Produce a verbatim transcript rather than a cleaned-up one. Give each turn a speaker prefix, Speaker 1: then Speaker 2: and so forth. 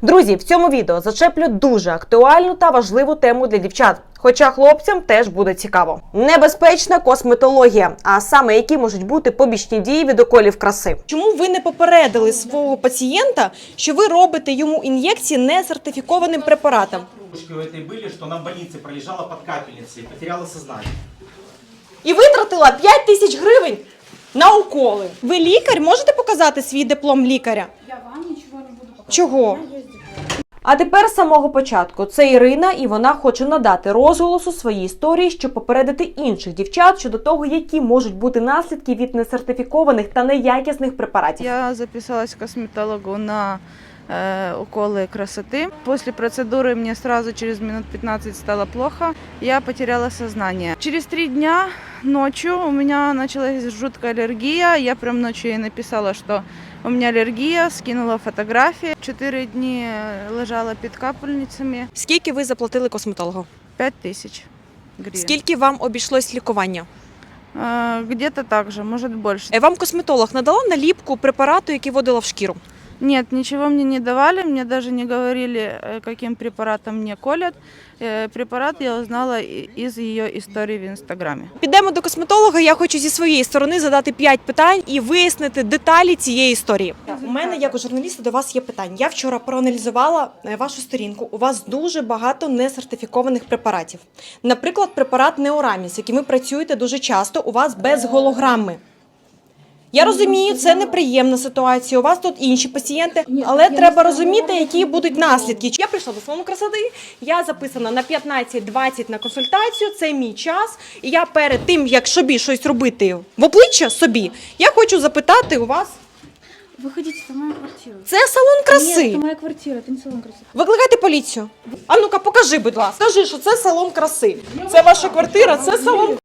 Speaker 1: Друзі, в цьому відео зачеплю дуже актуальну та важливу тему для дівчат. Хоча хлопцям теж буде цікаво. Небезпечна косметологія, а саме які можуть бути побічні дії від уколів краси.
Speaker 2: Чому ви не попередили свого пацієнта, що ви робите йому ін'єкції несертифікованим препаратом?
Speaker 3: У этой были, что она в больнице пролежала под капельницей, потеряла сознание.
Speaker 2: І витратила п'ять тисяч гривень на уколи. Ви лікар? Можете показати свій диплом лікаря?
Speaker 4: Я вам нічого не буду показувати.
Speaker 2: Чого?
Speaker 1: А тепер з самого початку. Це Ірина, і вона хоче надати розголосу своїй історії, щоб попередити інших дівчат щодо того, які можуть бути наслідки від несертифікованих та неякісних препаратів.
Speaker 5: Я записалась к косметологу на э, уколы красоты. После процедуры мне сразу через минут пятнадцать стало плохо. Я потеряла сознание. Через три дня ночью у меня началась жуткая аллергия. Я прям ночью ей написала, что у меня аллергия, скинула фотографии. Четыре дни лежала под капельницами.
Speaker 2: Скільки ви заплатили косметологу?
Speaker 5: Пять тысяч гривен.
Speaker 2: Скільки вам обійшлось лікування?
Speaker 5: Э, Где-то так же, может больше.
Speaker 2: Е, Вам косметолог надала наліпку препарату, який вводила в шкіру?
Speaker 5: Нет, ничего мне не давали, мне даже не говорили, э, каким препаратом мне колят. Э, Препарат я узнала и- из ее истории в Инстаграме.
Speaker 2: Підемо до косметолога, я хочу зі своєї сторони задати п'ять питань і вияснити деталі цієї історії. У мене, як у журналіста, до вас є питання. Я вчора проаналізувала е, вашу сторінку. У вас дуже багато несертифікованих препаратів. Наприклад, препарат Неораміс, яким ви працюєте дуже часто, у вас без голограми. Я розумію, це неприємна ситуація, у вас тут інші пацієнти, але треба розуміти, які будуть наслідки. Я прийшла до салону красоти, я записана на п'ятнадцять двадцять на консультацію, це мій час. І я перед тим, як собі щось робити в обличчя собі, я хочу запитати у вас.
Speaker 4: Выходите, это моя квартира.
Speaker 2: Це салон
Speaker 4: Нет,
Speaker 2: краси.
Speaker 4: это моя квартира, это не салон красоты.
Speaker 2: Викликайте поліцію. А ну-ка, покажи, будь ласка. Скажи, що це салон краси. Це ваша квартира, це салон